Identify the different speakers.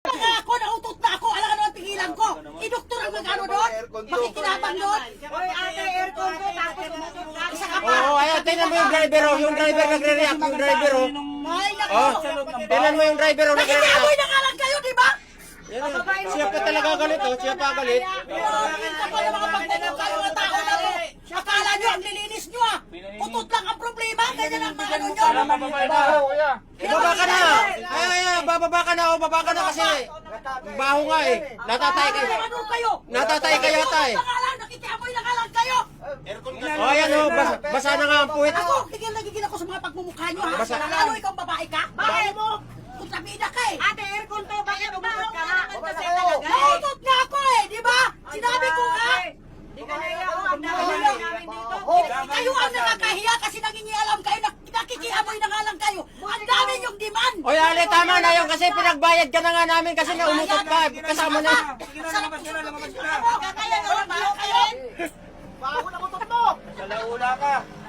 Speaker 1: Ako, nautot na ako. Alam ano ang tingilan ko? Idoktor ang magano doon? Makikinabang doon?
Speaker 2: Hoy, ate, aircon ko, tapos umutot ka.
Speaker 1: Isa ka pa.
Speaker 3: Oo, ayan, tingnan mo yung driver, oh. Yung driver nagre-react, yung driver, oh.
Speaker 1: Ay, naku.
Speaker 3: Oh, tingnan mo yung driver, oh,
Speaker 1: Nakikiamoy
Speaker 3: nagre-react.
Speaker 1: na nga lang kayo, di ba?
Speaker 3: Yan, siya pa talaga galit, oh. Siya pa galit.
Speaker 1: Grabe ka pa ng mga pagtanong kayo mga tao na mo. Akala nyo, ang lilinis nyo ah. Utot lang ang problema. Ganyan ang mga ano nyo.
Speaker 3: Baba ka na. Ay, bababa ka na, oh. Baba ka na kasi. Baho nga, eh. Natatay ka.
Speaker 1: Ano kayo?
Speaker 3: Natatay ka yata, eh.
Speaker 1: Nakikiamoy na nga lang kayo.
Speaker 3: Oh, ayan, oh. Basa na nga ang puwit.
Speaker 1: Ako, nagigil ako sa mga pagmumukha nyo ha.
Speaker 3: Basta-
Speaker 1: Ano, ikaw babae ka? Bakit mo? Kontrabida ka eh.
Speaker 2: Ate, aircon to, bakit umutot ka na?
Speaker 1: Nautot nga ako eh, di ba? Sinabi ko nga.
Speaker 2: Di ka naiya ko, ang dami namin dito.
Speaker 1: Kayo ang nakakahiya kasi nangingialam kayo, nakikiamoy na nga lang kayo. Ang dami yung demand.
Speaker 3: Oy, Ale, tama na yun kasi pinagbayad ka na nga namin kasi naumutot ka. Kasama na.
Speaker 1: Sarap yung kaya nga lang kayo.
Speaker 4: Bago na utot mo!
Speaker 5: Sa laula ka.